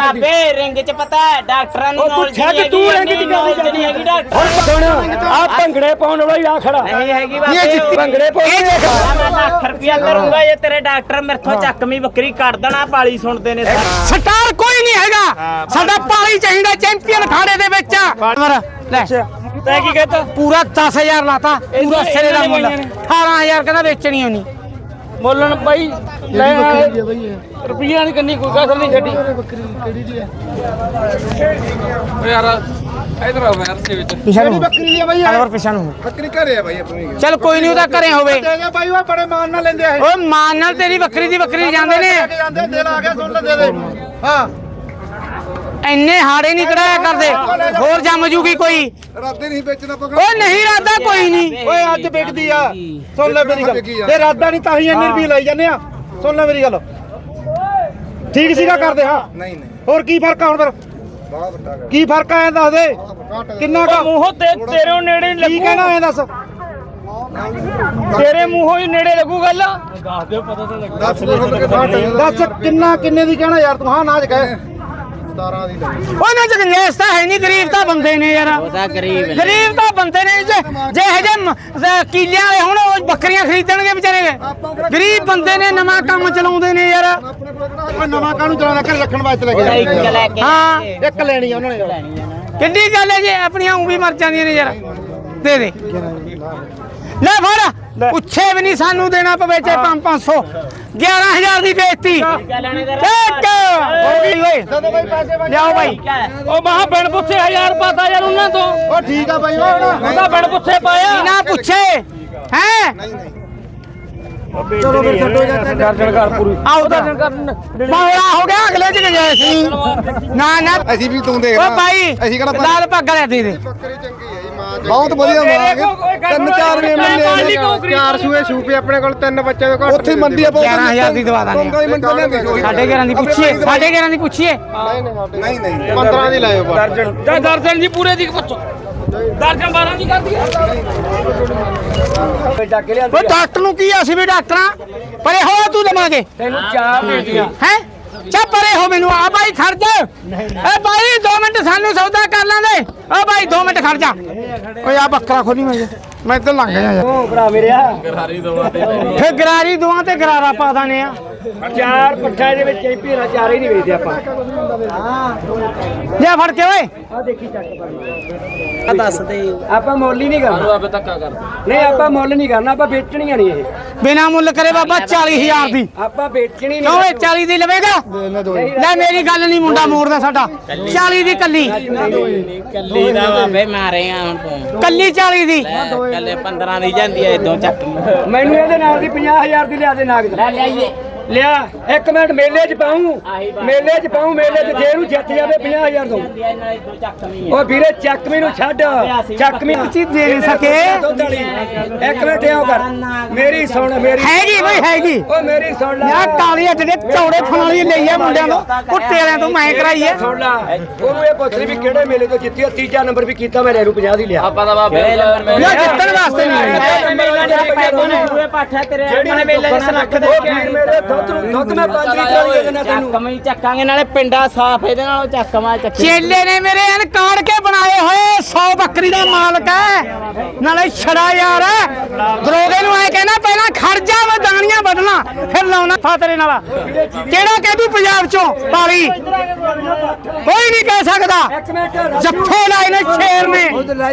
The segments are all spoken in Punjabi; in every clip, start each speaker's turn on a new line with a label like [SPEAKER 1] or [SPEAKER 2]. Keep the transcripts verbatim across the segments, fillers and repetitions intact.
[SPEAKER 1] ਬਾਬੇ ਰਿੰਗ ਚ ਪਤਾ ਹੈ ਡਾਕਟਰਾਂ ਨੂੰ ਨੌਲੇਜ
[SPEAKER 2] ਨਹੀਂ ਹੈਗੀ, ਤੂੰ ਰਿੰਗ ਚ ਗੱਲ
[SPEAKER 1] ਨਹੀਂ ਹੈਗੀ ਡਾਕਟਰ
[SPEAKER 2] ਸੁਣ ਆ ਭੰਗੜੇ ਪਾਉਣ ਵਾਲਾ ਹੀ ਆ ਖੜਾ
[SPEAKER 1] ਨਹੀਂ ਹੈਗੀ ਬਾਬੇ
[SPEAKER 2] ਭੰਗੜੇ ਪਾਉਣ
[SPEAKER 1] ਮੈਂ ਲੱਖ ਰੁਪਿਆ ਕਰੂੰਗਾ ਜੇ ਤੇਰੇ ਡਾਕਟਰ ਮੇਰੇ ਤੋਂ ਚੱਕਵੀਂ ਬੱਕਰੀ ਕੱਢ ਦੇਣਾ ਪਾਲੀ ਸੁਣਦੇ ਨੇ
[SPEAKER 3] ਸਟਾਰ ਕੋਈ ਨਹੀਂ ਹੈਗਾ ਸਾਡਾ ਪਾਲੀ ਚਾਹੀਦਾ ਚੈਂਪੀਅਨ ਖਾੜੇ ਦੇ ਵਿੱਚ ਲੈ
[SPEAKER 2] ਤੈਂ ਕੀ ਕਹਤਾ
[SPEAKER 3] ਪੂਰਾ ਦਸ ਹਜ਼ਾਰ ਲਾਤਾ ਪੂਰਾ ਸਿਰੇ ਦਾ ਮੁੱਲ ਅਠਾਰਾਂ ਹਜ਼ਾਰ ਕਹਿੰਦਾ ਵੇਚਣੀ ਹੋਣੀ
[SPEAKER 2] ਮੁੱਲਣ ਬਾਈ ਲੈ ਰੁਪਈਆ ਨਹੀਂ ਕੰਨੀ ਕੋਈ ਕਸਰ ਨਹੀਂ ਛੱਡੀ
[SPEAKER 4] ਬੱਕਰੀ ਕਿਹੜੀ ਦੀ ਹੈ
[SPEAKER 2] ਓ ਯਾਰ ਇਧਰ ਆ ਯਾਰ ਦੇ ਵਿੱਚ
[SPEAKER 3] ਪਿਛਾ ਨੂੰ
[SPEAKER 4] ਬੱਕਰੀ ਦੀ ਹੈ ਬਾਈ
[SPEAKER 3] ਅਲਵਰ ਪਿਛਾ ਨੂੰ
[SPEAKER 4] ਬੱਕਰੀ ਘਰੇ ਆ ਬਾਈ ਆਪਣੀ
[SPEAKER 3] ਚਲ ਕੋਈ ਨਹੀਂ ਉਹਦਾ ਘਰੇ ਹੋਵੇ
[SPEAKER 4] ਦੇ ਦੇ ਬਾਈ ਉਹ ਬੜੇ ਮਾਨ ਨਾਲ ਲੈਂਦੇ ਆ ਇਹ
[SPEAKER 3] ਓ ਮਾਨ ਨਾਲ ਤੇਰੀ ਬੱਕਰੀ ਦੀ ਬੱਕਰੀ ਜਾਂਦੇ ਨੇ
[SPEAKER 4] ਜਾਂਦੇ ਦਿਲ ਆ ਗਿਆ ਸੁਣ ਲੈ ਦੇ ਦੇ ਹਾਂ
[SPEAKER 3] ਇੰਨੇ ਹਾੜੇ ਨਹੀਂ ਕਢਾਇਆ ਕਰਦੇ ਹੋਰ ਜੰਮ ਜੂਗੀ ਕੋਈ
[SPEAKER 4] ਰਾਤੇ ਨਹੀਂ ਵੇਚਣਾ ਪਕੜ
[SPEAKER 3] ਓ ਨਹੀਂ ਰਾਦਾ ਕੋਈ ਨਹੀਂ
[SPEAKER 4] ਓਏ ਅੱਜ ਵਿਕਦੀ ਆ ਸੁਣ ਲੈ ਮੇਰੀ ਗੱਲ ਤੇ ਰਾਦਾ ਨਹੀਂ ਤਾਂ ਹੀ ਇੰਨੇ ਰੁਪਏ ਲਈ ਜਾਂਦੇ ਆ ਸੁਣ ਲੈ ਮੇਰੀ ਗੱਲ ਠੀਕ ਸੀਗਾ ਕਰਦੇ ਹਾਂ ਨਹੀਂ ਨਹੀਂ ਹੋਰ ਕੀ ਫਰਕ ਆ ਹੁਣ ਫਿਰ ਬਹੁਤ ਵੱਡਾ ਕੀ ਫਰਕ ਆ ਐ ਦੱਸ ਦੇ ਕਿੰਨਾ ਕਾ
[SPEAKER 2] ਮੂੰਹੋਂ ਤੇ ਤੇਰੇ ਨੇੜੇ
[SPEAKER 4] ਕੀ
[SPEAKER 2] ਲੱਗੂ
[SPEAKER 4] ਕਹਿਣਾ ਐ ਦੱਸ
[SPEAKER 2] ਤੇਰੇ ਮੂੰਹੋਂ ਹੀ ਨੇੜੇ ਲੱਗੂ ਗੱਲ ਦੱਸ ਦਿਓ ਪਤਾ ਤਾਂ ਲੱਗਾ
[SPEAKER 4] ਦੱਸ ਕਿੰਨਾ ਕਿੰਨੇ ਦੀ ਕਹਿਣਾ ਯਾਰ ਤੂੰ ਹਾਂ ਨਾ ਚ ਕਹੇ ਸਤਾਰਾਂ ਦੀ ਲੈ
[SPEAKER 3] ਉਹਨਾਂ ਚ ਗੰਜੈਸ ਤਾਂ ਹੈ ਨਹੀਂ ਗਰੀਬ ਤਾਂ ਬੰਦੇ ਨੇ ਯਾਰ
[SPEAKER 1] ਉਹਦਾ ਗਰੀਬ
[SPEAKER 3] ਗਰੀਬ ਤਾਂ ਬੰਦੇ ਨੇ ਜੇ ਜੇ ਇਹ ਜੇ ਕੀਲਿਆਂ ਵਾਲੇ ਹੁਣ ਉਹ ਬੱਕਰੀਆਂ ਖਰੀਦਣਗੇ ਵਿਚਾਰੇ ਗਰੀਬ ਬੰਦੇ ਨੇ ਨਵਾਂ ਕੰਮ ਚਲਾਉਂਦੇ ਨੇ ਯਾਰ
[SPEAKER 4] ਆਪਣੇ ਕੋਲ ਕਿਹੜਾ ਨਵਾਂ ਕਾਹਨੂੰ ਚਲਾਉਣਾ ਘਰ ਰੱਖਣ ਵਾਸਤੇ ਲੈ
[SPEAKER 1] ਉਹਦਾ ਇੱਕ
[SPEAKER 4] ਕੇ
[SPEAKER 1] ਲੈ ਕੇ
[SPEAKER 3] ਹਾਂ
[SPEAKER 4] ਇੱਕ ਲੈਣੀ ਆ ਉਹਨਾਂ ਨੇ
[SPEAKER 3] ਕਿੰਨੀ ਗੱਲ ਹੈ ਜੇ ਆਪਣੀਆਂ ਉਂ ਵੀ ਮਰ ਜਾਂਦੀਆਂ ਨੇ ਯਾਰ ਦੇ ਦੇ ਲੈ ਫੜ ਪੁੱਛੇ ਵੀ ਨਹੀਂ ਸਾਨੂੰ ਦੇਣਾ ਪਵੇ ਚੇ ਪੰਜ ਪੰਜ ਸੌ ਗਿਆਰਾਂ ਹਜ਼ਾਰ ਦੀ ਬੇਇੱਜ਼ਤੀ ਇੱਕ ਹੋ ਗਈ ਓਏ
[SPEAKER 4] ਜਦੋਂ ਬਾਈ ਪੈਸੇ ਬਣ
[SPEAKER 3] ਲਿਆਓ ਬਾਈ
[SPEAKER 2] ਉਹ ਮਹਾ ਬਿਨ ਪੁੱਛੇ ਹਜ਼ਾਰ ਪਾਤਾ ਯਾਰ ਉਹਨਾਂ ਤੋਂ
[SPEAKER 4] ਉਹ ਠੀਕ ਆ ਬਾਈ ਉਹ
[SPEAKER 2] ਉਹਦਾ ਬਿਨ ਪੁੱਛੇ ਪਾਇਆ
[SPEAKER 3] ਨਾ ਪੁੱਛੇ ਹੈ
[SPEAKER 4] ਚਲੋ ਫਿਰ ਛੱਡੋ ਜਾਂ
[SPEAKER 2] ਦਰਜਨ ਘਰ ਪੂਰੀ
[SPEAKER 3] ਆਉ ਤਾਂ ਬਾਹਲਾ ਹੋ ਗਿਆ ਅਗਲੇ ਚ ਗਏ ਸੀ ਨਾ ਨਾ
[SPEAKER 4] ਅਸੀਂ ਵੀ ਤੂੰ ਦੇਖ
[SPEAKER 3] ਓ ਭਾਈ
[SPEAKER 4] ਅਸੀਂ ਕਿਹੜਾ
[SPEAKER 3] ਲਾਲ ਪੱਗ ਲੈ ਦੇ ਦੇ
[SPEAKER 4] ਬੱਕਰੀ ਚੰਗੀ ਹੈ ਜੀ ਮਾਂ ਬਹੁਤ ਵਧੀਆ ਮਾਂ ਤਿੰਨ ਚਾਰ ਵੇ ਮਿਲਨੇ ਚਾਰ ਸੂਏ ਸੂਪੇ ਆਪਣੇ ਕੋਲ ਤਿੰਨ ਬੱਚੇ ਦੇ ਘੱਟ ਉੱਥੇ ਮੰਡੀ ਆ
[SPEAKER 3] ਗਿਆਰਾਂ ਹਜ਼ਾਰ ਦੀ ਦਵਾ ਦਾਂਗੇ ਸਾਡੇ ਗਿਆਰਾਂ ਦੀ ਪੁੱਛੀਏ ਸਾਡੇ ਗਿਆਰਾਂ ਦੀ ਪੁੱਛੀਏ
[SPEAKER 4] ਨਹੀਂ ਨਹੀਂ ਪੰਦਰਾਂ ਦੀ ਲਾਇਓ
[SPEAKER 2] ਦਰਜਨ ਜਾਂ ਦਰਜਨ ਜੀ ਪੂਰੇ ਦੀ ਪੁੱਛੋ ਦਰਜਨ ਬਾਰਾਂ ਦੀ ਕਰਦੀ
[SPEAKER 3] ਓ ਡਾਕਟਰ ਨੂੰ ਕੀ ਆ, ਅਸੀਂ ਵੀ ਡਾਕਟਰਾਂ ਪਰੇ ਹੋ ਤੂੰ ਦਵਾਂਗੇ
[SPEAKER 2] ਤੈਨੂੰ ਚਾਰ ਦੇ ਦਿਆਂ
[SPEAKER 3] ਹੈ ਚਾ ਪਰੇ ਹੋ ਮੈਨੂੰ ਆ ਬਾਈ ਖੜ ਜਾ ਏ ਬਾਈ ਦੋ ਮਿੰਟ ਸਾਨੂੰ ਸੌਦਾ ਕਰ ਲਾਂਦੇ ਓ ਬਾਈ ਦੋ ਮਿੰਟ ਖੜ ਜਾ ਓਏ ਆ ਬੱਕਰਾ ਖੋਲੀ ਮੈਂ ਮੈਂ ਇੱਧਰ ਲੰਘ ਗਿਆ ਯਾਰ
[SPEAKER 2] ਉਹ ਭਰਾ ਮੇਰਿਆ
[SPEAKER 3] ਫੇ ਗਰਾਰੀ ਦੋਵਾਂ ਤੇ ਗਰਾਰਾ ਪਾ ਦਾਨੇ ਆ
[SPEAKER 2] ਚਾਰ ਪੱਠਾ ਦੇ ਵਿੱਚ ਚੈਂਪੀਅਨ ਚਾਰ ਹੀ ਨਹੀਂ ਵੇਚਦੇ ਆਪਾਂ
[SPEAKER 3] ਲੈ ਫੜ ਕੇ ਓਏ
[SPEAKER 2] ਆ ਦੇਖੀ ਚੱਕ
[SPEAKER 1] ਦੱਸ ਦੇ
[SPEAKER 2] ਆਪਾਂ ਮੁੱਲ ਹੀ ਨਹੀਂ ਕਰਨਾ ਆਪੇ ਧੱਕਾ ਕਰ ਨਹੀਂ ਆਪਾਂ ਮੁੱਲ ਨਹੀਂ ਕਰਨਾ ਆਪਾਂ ਵੇਚਣੀਆਂ ਨਹੀਂ ਇਹ
[SPEAKER 3] ਬਿਨਾ ਮੁੱਲ ਕਰੇ ਬਾਬਾ ਚਾਲੀ ਹਜ਼ਾਰ ਦੀ
[SPEAKER 2] ਆਪਾਂ ਵੇਚਣੀ
[SPEAKER 3] ਕਿਉਂ ਏ ਚਾਲੀ ਦੀ ਲਵੇਗਾ ਲੈ ਮੇਰੀ ਗੱਲ ਨਹੀਂ ਮੁੰਡਾ ਮੋੜਦਾ ਸਾਡਾ ਚਾਲੀ ਦੀ ਕੱਲੀ
[SPEAKER 1] ਕੱਲੀ ਦਾ ਬਾਬੇ ਮਾਰੇ ਆ ਹੁਣ ਤੂੰ
[SPEAKER 3] ਕੱਲੀ ਚਾਲੀ ਦੀ
[SPEAKER 1] ਕੱਲੇ ਪੰਦਰਾਂ ਦੀ ਜਾਂਦੀ ਐ ਇਦੋਂ ਚੱਕ
[SPEAKER 2] ਮੈਨੂੰ ਇਹਦੇ ਨਾਲ ਦੀ ਪੰਜਾਹ ਹਜ਼ਾਰ ਦੀ ਲਿਆ ਦੇ ਨਾਗ
[SPEAKER 1] ਲੈ ਲਿਆਈਏ
[SPEAKER 2] ਲਿਆ ਇੱਕ ਮਿੰਟ ਮੇਲੇ 'ਚ ਪਾਉਂ ਮੇਲੇ 'ਚ ਪਾਉਂ ਮੇਲੇ 'ਚ ਜੇ ਇਹਨੂੰ ਜਿੱਤ ਜਾਵੇ ਪੰਜਾਹ ਹਜ਼ਾਰ ਦਊਂ ਉਹ ਵੀਰੇ ਚੱਕਵੀਂ ਨੂੰ ਛੱਡ ਚੱਕਵੀਂ
[SPEAKER 3] ਚੀਜ਼ ਦੇ ਨਹੀਂ ਸਕੇ
[SPEAKER 2] ਦੁੱਧ ਵਾਲੀ ਇੱਕ ਮਿੰਟ ਆਓ ਕਰ ਮੇਰੀ ਸੁਣ ਮੇਰੀ
[SPEAKER 3] ਹੈਗੀ ਬਈ ਹੈਗੀ
[SPEAKER 2] ਉਹ ਮੇਰੀ ਸੁਣ ਲੈ
[SPEAKER 3] ਯਾ ਕਾਲੀਆਂ ਜਿਹੜੇ ਚੌੜੇ ਫਣਾਲੀ ਲਈ ਆ ਮੁੰਡਿਆਂ ਨੂੰ ਕੁੱਤੇ ਵਾਲਿਆਂ ਤੋਂ ਮੈਂ ਕਰਾਈ ਐ
[SPEAKER 2] ਸੁਣ ਲੈ ਉਹਨੂੰ ਇਹ ਪੁੱਛ ਲਈ ਵੀ ਕਿਹੜੇ ਮੇਲੇ ਤੋਂ ਜਿੱਤੀ ਆ ਤੀਜਾ ਨੰਬਰ ਵੀ ਕੀਤਾ ਮੈਂ ਰੈਰੂ ਪੰਜਾਹ ਦੀ ਲਿਆ
[SPEAKER 1] ਆਪਾਂ ਦਾ ਬਾਬੇ ਨੰਬਰ
[SPEAKER 3] ਯਾ ਜਿੱਤਣ ਵਾਸਤੇ ਨਹੀਂ
[SPEAKER 1] ਪੂਰੇ ਪਾਠਾ ਤੇਰੇ
[SPEAKER 2] ਜਿਹੜੀ ਮੇਲੇ ਦੇ ਲੱਖ ਦੇ ਮੇਰੇ ਦੁੱਧ ਨੂੰ ਦੁੱਧ ਮੈਂ ਪੰਜ ਲੀਟਰ ਵਾਲੀ ਦੇ ਦੇਣਾ ਤੈਨੂੰ
[SPEAKER 1] ਚੱਕਮੀ ਚੱਕਾਂਗੇ ਨਾਲੇ ਪਿੰਡਾ ਸਾਫ ਇਹਦੇ ਨਾਲੋਂ ਚੱਕਮਾ ਚੱਕੀ
[SPEAKER 3] ਚੇਲੇ ਨੇ ਮੇਰੇ ਐਨ ਕਾੜ ਕੇ ਬਣਾਏ ਹੋਏ ਸੌ ਬੱਕਰੀ ਦਾ ਮਾਲਕ ਹੈ ਨਾਲੇ ਛੜਾ ਯਾਰ ਦਰੋਗੇ ਨੂੰ ਐ ਕਹਿਣਾ ਪਹਿਲਾਂ ਖੜ ਜਾ ਮੈਂ ਦਾਣੀਆਂ ਵੱਢਣਾ ਫਿਰ ਲਾਉਣਾ ਫਾਤਰੇ ਨਾਲ ਕਿਹੜਾ ਕਹਿ ਪੰਜਾਬ ਚੋਂ ਪਾਲੀ ਕੋਈ ਨਹੀਂ ਕਹਿ ਸਕਦਾ ਜੱਫੇ ਲਾਏ ਨੇ ਸ਼ੇਰ ਨੇ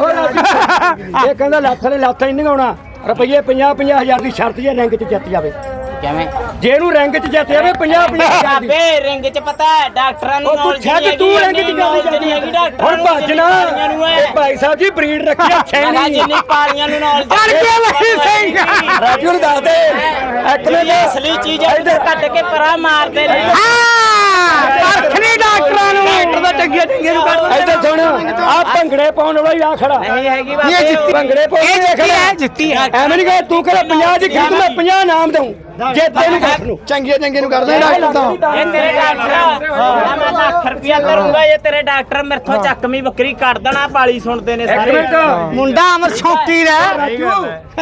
[SPEAKER 2] ਇਹ ਕਹਿੰਦਾ ਲੱਖ ਨੇ ਲੱਖ ਨਹੀਂ ਨਗਾਉਣਾ ਰੁਪਈਏ ਪੰਜਾਹ ਪੰਜਾਹ ਹਜ਼ਾਰ ਦੀ ਸ਼ਰਤ ਜੇ ਰੈਂਕ 'ਚ ਜਿੱਤ ਜਾਵੇ
[SPEAKER 1] ਕਿਵੇਂ
[SPEAKER 2] ਜੇ ਇਹਨੂੰ ਰੈਂਕ 'ਚ ਜਿੱਤ ਜਾਵੇ ਪੰਜਾਹ ਪੰਜਾਹ ਹਜ਼ਾਰ ਦੀ
[SPEAKER 1] ਬਾਬੇ ਰਿੰਗ ਚ ਪਤਾ ਹੈ ਡਾਕਟਰਾਂ ਨੂੰ
[SPEAKER 2] ਉਹ ਤੂੰ ਛੱਡ ਤੂੰ ਰੈਂਕ 'ਚ ਗੱਲ
[SPEAKER 1] ਨਹੀਂ ਹੈਗੀ ਡਾਕਟਰ
[SPEAKER 2] ਹੁਣ ਭੱਜਣਾ ਇਹ ਭਾਈ ਸਾਹਿਬ ਜੀ ਬਰੀਡ ਰੱਖੀ ਆ ਛੈਣੀ
[SPEAKER 1] ਜਿੰਨੀ ਪਾਲੀਆਂ ਨੂੰ ਨੌਲੇਜ
[SPEAKER 3] ਅੜ ਕੇ ਵਹੀ ਸਿੰਘ
[SPEAKER 2] ਰਾਜੂ ਨੂੰ ਦੱਸ ਦੇ ਇੱਕ
[SPEAKER 1] ਇਹ ਅਸਲੀ ਚੀਜ਼ ਇੱਧਰ ਕੱਢ ਕੇ ਪਰਾ ਮਾਰਦੇ ਨੇ
[SPEAKER 3] ਹਾਂ ਪਰਖਣੀ ਡਾਕਟਰਾਂ ਨੂੰ ਡਾਕਟਰ ਦਾ ਚੰਗੀਆਂ ਚੰਗੀਆਂ ਨੂੰ ਕੱਢ
[SPEAKER 2] ਇੱਧਰ ਸੁਣ ਆ ਭੰਗੜੇ ਪਾਉਣ ਵਾਲਾ ਹੀ ਆ ਖੜਾ
[SPEAKER 1] ਨਹੀਂ ਹੈਗੀ
[SPEAKER 3] ਇਹ
[SPEAKER 1] ਬਾਬੇ
[SPEAKER 3] ਜਿੱਤੀ
[SPEAKER 2] ਭੰਗੜੇ ਪਾਉਣ
[SPEAKER 3] ਇਹ
[SPEAKER 2] ਵਾਲਾ
[SPEAKER 3] ਜਿੱਤੀ ਹੈ ਜਿੱਤੀ ਹੈ
[SPEAKER 2] ਐਵੇਂ ਨਹੀਂ ਕਹੇ ਤੂੰ ਕਹੇ ਪੰਜਾਹ ਦੀ ਖਰੀਦ ਮੈਂ ਪੰਜਾਹ ਨਾਮ ਦਊਂ ਜੇ ਤੈਨੂੰ ਕੱਖ ਨੂੰ
[SPEAKER 4] ਚੰਗੀਆਂ ਚੰਗੀਆਂ ਨੂੰ ਕਰਦੇ ਡਾਕਟਰ ਤਾਂ
[SPEAKER 1] ਇਹ ਤੇਰੇ ਡਾਕਟਰ ਮੈਂ ਲੱਖ ਰੁਪਿਆ ਕਰੂੰਗਾ ਜੇ ਤੇਰੇ ਡਾਕਟਰ ਮੇਰੇ ਤੋਂ ਚੱਕਵੀਂ ਬੱਕਰੀ ਕੱਢ ਦੇਣਾ ਪਾਲੀ ਸੁਣਦੇ ਨੇ ਸਾਰੇ
[SPEAKER 2] ਇੱਕ ਮਿੰਟ
[SPEAKER 3] ਮੁੰਡਾ ਅਮਰ ਸ਼ੌਕੀ ਦਾ
[SPEAKER 2] ਰਾਜੂ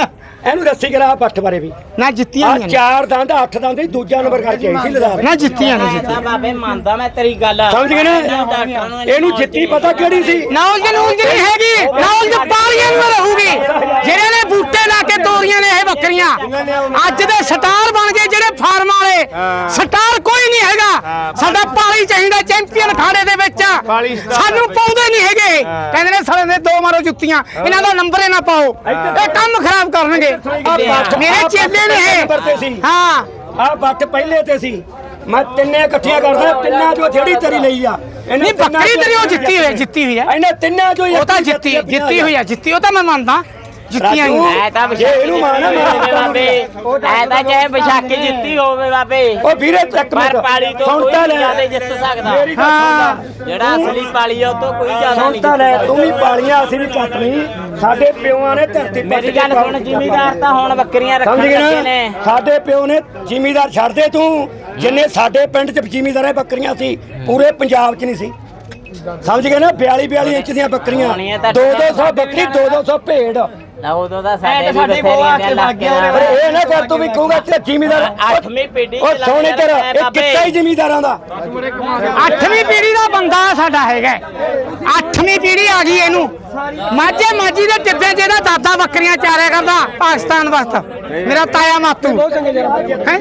[SPEAKER 2] ਇਹਨੂੰ ਰੱਸੀ ਕਰਾ ਪੱਠ ਬਾਰੇ ਵੀ
[SPEAKER 3] ਨਾ ਜਿੱਤੀਆਂ
[SPEAKER 2] ਆ
[SPEAKER 3] ਨਹੀਂ
[SPEAKER 2] ਚਾਰ ਦੰਦ ਅੱਠ ਦੰਦ ਦੀ ਦੂਜਾ ਨੰਬਰ ਕਰਕੇ ਆਈ ਸੀ ਲਦਾਰ
[SPEAKER 3] ਨਾ ਜਿੱਤੀਆਂ ਨਹੀਂ
[SPEAKER 1] ਮੈਂ
[SPEAKER 3] ਜਿੱਤੀਆਂ
[SPEAKER 1] ਤਾਂ ਬਾਬੇ ਮੰਨਦਾ ਮੈਂ ਤੇਰੀ ਗੱਲ
[SPEAKER 2] ਸਮਝ ਗਏ ਨਾ ਇਹਨੂੰ ਜਿੱਤੀ ਪਤਾ ਕਿਹੜੀ ਸੀ
[SPEAKER 3] ਨੌਲਜ ਨੂਲਜ ਨਹੀਂ ਹੈਗੀ ਨੌਲਜ ਪਾਲੀਆਂ ਨੂੰ ਰਹੂਗੀ ਜਿਹੜੇ ਨੇ ਬੂਟੇ ਲਾ ਕੇ ਤੋਰੀਆਂ ਨੇ ਇਹ ਬੱਕਰੀਆਂ ਅੱਜ ਦੇ ਸਟਾਰ ਬਣ ਗਏ ਜਿਹੜੇ ਫਾਰਮ ਵਾਲੇ ਸਟਾਰ ਕੋਈ ਨਹੀਂ ਹੈਗਾ ਸਾਡਾ ਪਾਲੀ ਚਾਹੀਦਾ ਚੈਂਪੀਅਨ ਖਾੜੇ ਦੇ ਵਿੱਚ ਸਾਨੂੰ ਪਾਉਂਦੇ ਨਹੀਂ ਹੈਗੇ ਕਹਿੰਦੇ ਨੇ ਸਾਲੇ ਦੇ ਦੋ ਮਾਰੋ ਜੁੱਤੀਆਂ ਇਹਨਾਂ ਦਾ ਨੰਬਰ ਹੀ ਨਾ ਪਾਓ ਇਹ ਕੰਮ ਖਰਾਬ ਕਰਨਗੇ ਮੇਰੇ ਚੇਲੇ ਨੇ ਇਹ ਹਾਂ
[SPEAKER 2] ਆ ਬੱਟ ਪਹਿਲੇ ਤੇ ਸੀ ਮੈਂ ਤਿੰਨੇ ਇਕੱਠੀਆਂ ਕਰਦਾ ਤਿੰਨਾਂ ਚੋਂ ਜਿਹੜੀ ਤੇਰੀ ਲਈ ਆ
[SPEAKER 3] ਨਹੀਂ ਬੱਕਰੀ ਤੇਰੀ ਉਹ ਜਿੱਤੀ ਹੋਈ ਜਿੱਤੀ ਹੋਈ ਹੈ
[SPEAKER 2] ਇਹਨੇ ਤਿੰਨਾਂ ਚੋਂ
[SPEAKER 3] ਉਹ ਤਾਂ ਜਿੱਤੀ ਜਿੱਤੀ ਹੋਈ ਹੈ ਜਿੱਤੀ ਉਹ ਤਾਂ ਮੈਂ ਮੰਨਦਾ ਜਿੱਤੀਆਂ ਹੀ
[SPEAKER 1] ਐ ਤਾਂ
[SPEAKER 2] ਜੇ ਇਹਨੂੰ ਮਾਰਨਾ ਮਾਰ
[SPEAKER 1] ਬਾਬੇ ਐ ਤਾਂ ਚਾਹੇ ਵਿਸ਼ਾਖੀ ਜਿੱਤੀ ਹੋਵੇ ਬਾਬੇ
[SPEAKER 2] ਉਹ ਵੀਰੇ ਚੱਕ
[SPEAKER 1] ਪਰ ਪਾਲੀ ਤੋਂ ਕੋਈ
[SPEAKER 2] ਸੁਣਤਾ
[SPEAKER 1] ਨਹੀਂ ਜ਼ਿਆਦਾ
[SPEAKER 2] ਲੈ
[SPEAKER 1] ਜਿੱਤ ਸਕਦਾ
[SPEAKER 2] ਮੇਰੀ ਗੱਲ ਸੁਣ ਲੈ
[SPEAKER 1] ਜਿਹੜਾ ਅਸਲੀ ਪਾਲੀ ਆ ਉਹ ਤੋਂ ਕੋਈ ਜ਼ਿਆਦਾ ਨਹੀਂ
[SPEAKER 2] ਸੁਣਤਾ ਲੈ ਤੂੰ ਵੀ ਪਾਲੀਆਂ ਅਸੀਂ ਵੀ ਕੱਟ ਨਹੀਂ ਸਾਡੇ ਪਿਓਾਂ ਨੇ ਧਰਤੀ ਪੱਟ
[SPEAKER 1] ਮੇਰੀ
[SPEAKER 2] ਕੇ
[SPEAKER 1] ਗੱਲ ਸੁਣ ਜ਼ਿਮੀਦਾਰ ਤਾਂ ਹੁਣ ਬੱਕਰੀਆਂ ਰੱਖਣ
[SPEAKER 2] ਸਮਝ
[SPEAKER 1] ਲੱਗੇ
[SPEAKER 2] ਗਏ
[SPEAKER 1] ਨੇ
[SPEAKER 2] ਨਾ ਸਾਡੇ ਪਿਓ ਨੇ ਜ਼ਿਮੀਦਾਰ ਛੱਡਦੇ ਤੂੰ ਜਿੰਨੇ ਸਾਡੇ ਪਿੰਡ 'ਚ ਜ਼ਿਮੀਦਾਰਾਂ ਬੱਕਰੀਆਂ ਸੀ ਪੂਰੇ ਪੰਜਾਬ 'ਚ ਨਹੀਂ ਸੀ ਸਮਝ ਗਏ ਨਾ ਬਿਆਲੀ ਬਿਆਲੀ ਇੰਚ ਦੀਆਂ ਬੱਕਰੀਆਂ ਦੋ ਦੋ ਸੌ ਬੱਕਰੀ ਦੋ ਦੋ ਸੌ ਭੇਡ
[SPEAKER 1] ਨਾ ਉਦੋਂ ਦਾ ਸਾਡੇ ਵੀ ਬਥੇਰੀਆਂ ਦੇ ਲੱਗ
[SPEAKER 2] ਪਰ ਇਹ ਨਾ ਕਰ ਤੂੰ ਵੀ ਕਹੂੰਗਾ ਤੇ ਜ਼ਿਮੀਦਾਰ
[SPEAKER 1] ਅੱਠਵੀਂ ਪੀੜ੍ਹੀ
[SPEAKER 2] ਉਹ ਸੋਹਣੇ ਤੇਰਾ ਇਹ ਕਿੱਤਾ ਹੀ ਜ਼ਿਮੀਦਾਰਾਂ ਦਾ
[SPEAKER 3] ਅੱਠਵੀਂ ਪੀੜ੍ਹੀ ਦਾ ਬੰਦਾ ਸਾਡਾ ਹੈਗਾ ਅੱਠਵੀਂ ਪੀੜ੍ਹੀ ਆ ਗਈ ਇਹਨੂੰ ਮਾਝੇ ਮਾਝੀ ਦੇ ਟਿੱਬੇ ਜਿਹਦਾ ਦਾਦਾ ਬੱਕਰੀਆਂ ਚਾਰਿਆ ਕਰਦਾ ਪਾਕਿਸਤਾਨ ਵਾਸਤੇ ਮੇਰਾ ਤਾਇਆ ਮਾਤੂ ਹੈਂ?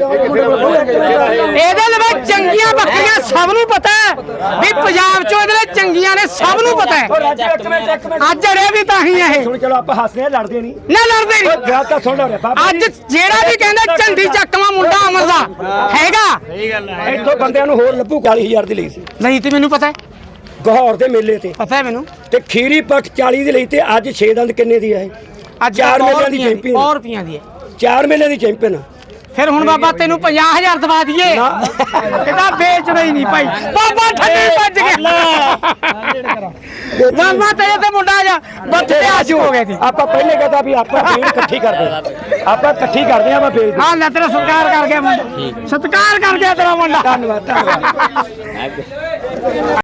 [SPEAKER 3] ਇਹਦੇ ਲਈ ਚੰਗੀਆਂ ਬੱਕਰੀਆਂ ਸਭ ਨੂੰ ਪਤਾ ਹੈ ਵੀ ਪੰਜਾਬ ਚੋਂ ਇਹਦੇ ਲਈ ਚੰਗੀਆਂ ਨੇ ਸਭ ਨੂੰ ਪਤਾ ਹੈ ਅੱਜ ਅੜੇ ਵੀ ਤਾਂ ਹੀ ਇਹ
[SPEAKER 2] ਸੁਣ ਚਲੋ ਆਪਾਂ ਹੱਸਦੇ ਆ ਲੜਦੇ ਨਹੀਂ
[SPEAKER 3] ਨਾ ਲੜਦੇ
[SPEAKER 2] ਉਹ
[SPEAKER 3] ਨਹੀਂ
[SPEAKER 2] ਗੱਲ ਤਾਂ ਸੁਣ ਲੈ ਬਾਬਾ
[SPEAKER 3] ਅੱਜ ਜਿਹੜਾ ਵੀ ਕਹਿੰਦਾ ਝੰਡੀ ਚੱਕਵਾ ਮੁੰਡਾ ਅਮਰ ਦਾ ਹੈਗਾ
[SPEAKER 2] ਇੱਥੋਂ ਬੰਦਿਆਂ ਨੂੰ ਹੋਰ ਲੱਭੂ ਚਾਲੀ ਹਜ਼ਾਰ ਦੀ ਲਈ ਸੀ
[SPEAKER 3] ਨਹੀਂ ਤੇ ਮੈਨੂੰ ਪਤਾ ਹੈ
[SPEAKER 2] ਗਹੌਰ ਦੇ ਮੇਲੇ ਤੇ
[SPEAKER 3] ਪਤਾ ਹੈ ਮੈਨੂੰ
[SPEAKER 2] ਤੇ ਖੀਰੀ ਪੱਟ ਚਾਲੀ ਦੀ ਲਈ ਤੇ ਅੱਜ ਛੇ ਦੰਦ ਕਿੰਨੇ ਦੀ ਹੈ
[SPEAKER 3] ਅੱਜ
[SPEAKER 2] ਚਾਰ ਮੇਲਿਆਂ ਦੀ ਚੈਂਪੀਅਨ
[SPEAKER 3] ਸੌ ਰੁਪਈਆਂ ਦੀ ਹੈ
[SPEAKER 2] ਚਾਰ ਮੇਲਿਆਂ ਦੀ ਚੈਂਪੀਅਨ
[SPEAKER 3] ਫਿਰ ਹੁਣ ਬਾਬਾ ਤੈਨੂੰ ਪੰਜਾਹ ਹਜ਼ਾਰ ਦਵਾ ਦਈਏ ਇਹਦਾ ਵੇਚਦਾ ਹੀ ਨਹੀਂ ਭਾਈ ਬਾਬਾ ਠੱਗੀ ਵੱਜ ਗਿਆ ਬਾਬਾ ਤੇਰੇ ਤੇ ਮੁੰਡਾ ਜਾ ਬੱਤੇ ਆਸ਼ੂ ਹੋ ਗਏ ਸੀ
[SPEAKER 2] ਆਪਾਂ ਪਹਿਲੇ ਕਹਤਾ ਵੀ ਆਪਾਂ ਭੀੜ ਇਕੱਠੀ ਕਰਦੇ ਆਪਾਂ ਇਕੱਠੀ ਕਰਦੇ ਆ ਮੈਂ ਵੇਚ
[SPEAKER 3] ਹਾਂ ਲੈ ਤੇਰਾ ਸਤਿਕਾਰ ਕਰ ਗਿਆ ਮੁੰਡਾ ਸਤਿਕਾਰ ਕਰ ਗਿਆ ਤੇਰਾ ਮੁੰਡਾ
[SPEAKER 2] ਧੰਨਵਾਦ ਧੰਨਵਾਦ